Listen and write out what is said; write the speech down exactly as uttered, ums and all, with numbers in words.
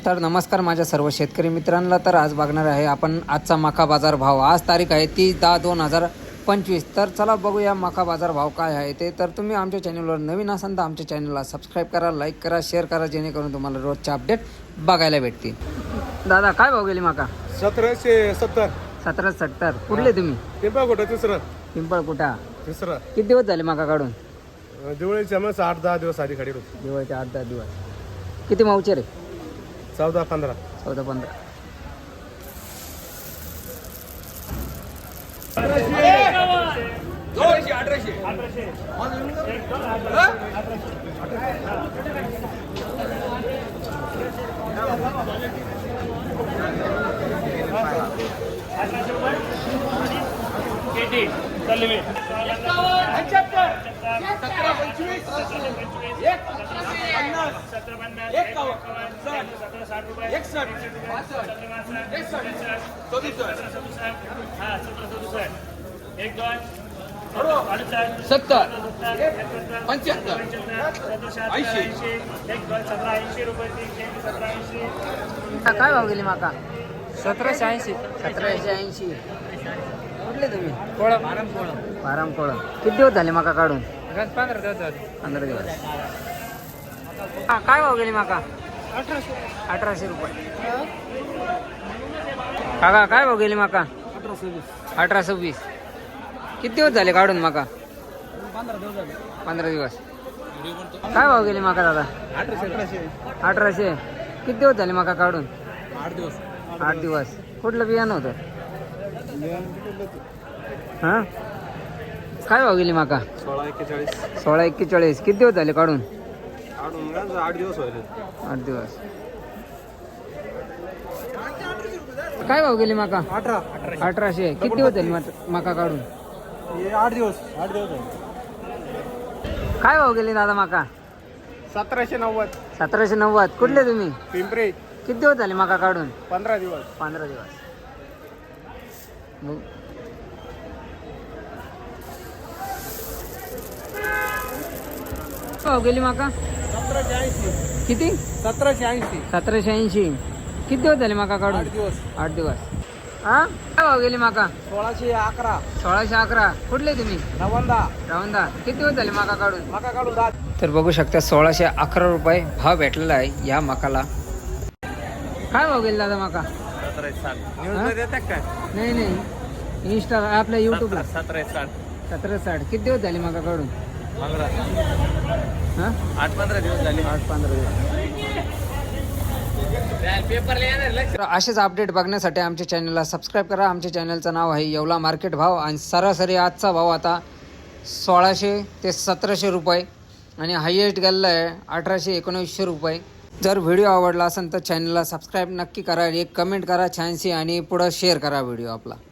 तर नमस्कार माझ्या सर्व शेतकरी मित्रांना. तर आज बघणार आहे आपण आजचा मका बाजार भाव. आज तारीख आहे तीस दहा दोन हजार पंचवीस. तर चला बघूया मका बाजार भाव काय आहे ते. तर तुम्ही आमच्या चॅनलवर नवीन असाल तर आमच्या चॅनलला सबस्क्राईब करा, लाईक करा, शेअर करा, जेणेकरून तुम्हाला रोजचे अपडेट बघायला भेटतील. दादा काय भाव गेली मका? सतराशे सत्तर. सतरा सत्तर. कुठले तुम्ही? पिंपळ कुठं तिसरं पिंपळ कुठा? तिसरं. किती दिवस झाले मका काढून? दिवाळीच्या मग आठ दहा दिवस आधी खाडी होती. दिवाळीचे आठ दहा दिवस. किती मावचे रे? चौदा पंधरा. चौदा पंधरा. सत्तर पंच्याहत्तर ऐंशी. काय भाव गेली माका? सतराशे ऐंशी. सतराशे ऐंशी. कुठले तुम्ही? कोळा आराम कोळा बाराम कोळा. किती दिवस झाले माका काढून? पंधरा दिवस. पंधरा दिवस. हा काय भाव गेली माका? अठराशे. अठराशे रुपये. काका काय भाव गेली माका? अठरा सव्वीस. अठरा सव्वीस. किती दिवस झाले काढून माका? पंधरा दिवस झाले. पंधरा दिवस. काय भाव गेली माका दादा? अठराशे. अठराशे. किती दिवस झाले माका काढून? आठ दिवस. आठ दिवस. कुठलं बियाणं होतं? हां काय भाव गेली माका? सोळा एक्केचाळीस. सोळा एक्केचाळीस. किती दिवस झाले काढून? आठ दिवस व्हायले. आठ दिवस. काय भाव गेली माका? अठरा. अठराशे. किती दिवस झाले मात- माका काढून? आठ दिवस. आठ दिवस झाले. काय भाव गेली दादा माका? सतराशे नव्वद. सतराशे नव्वद. कुठले तुम्ही? पिंपरी. किती दिवस झाले माका काढून? पंधरा दिवस. पंधरा दिवस. मग भाव गेली माका? सतराशे ऐंशी. किती? सतराशे ऐंशी. सतराशे ऐंशी. किती दिवस झाले माका काढून? दिवस. आठ दिवस. हा काय भाव गेली माका? सोळाशे अकरा. सोळाशे अकरा. कुठले तुम्ही? नवंदा. रावंदा. किती दिवस झाले माका काढून? मका काढून दहा. तर बघू शकता सोळाशे अकरा रुपये भाव भेटलेला आहे या मकाला. काय भाव गेला दादा माका? सतराशे साठ. हा? न्यूजला देतात काय? नाही नाही इंस्टा आपल्या युट्यूबला. सतराशे साठ. सतरा साठ. किती दिवस झाले माका काढून? पंधरा. हां आठ पंधरा दिवस झाले. आठ पंधरा दिवस. तर असेच अपडेट बघण्यासाठी आमच्या चॅनलला सबस्क्राईब करा. आमच्या चॅनलचं नाव आहे येवला मार्केट भाव. आणि सरासरी आजचा भाव आता सोळाशे ते सतराशे रुपये आणि हायएस्ट गेलेला आहे अठराशे एकोणवीसशे रुपये. जर व्हिडिओ आवडला असेल तर चॅनलला सबस्क्राईब नक्की करा, एक कमेंट करा छानशी आणि पुढं शेअर करा व्हिडिओ आपला.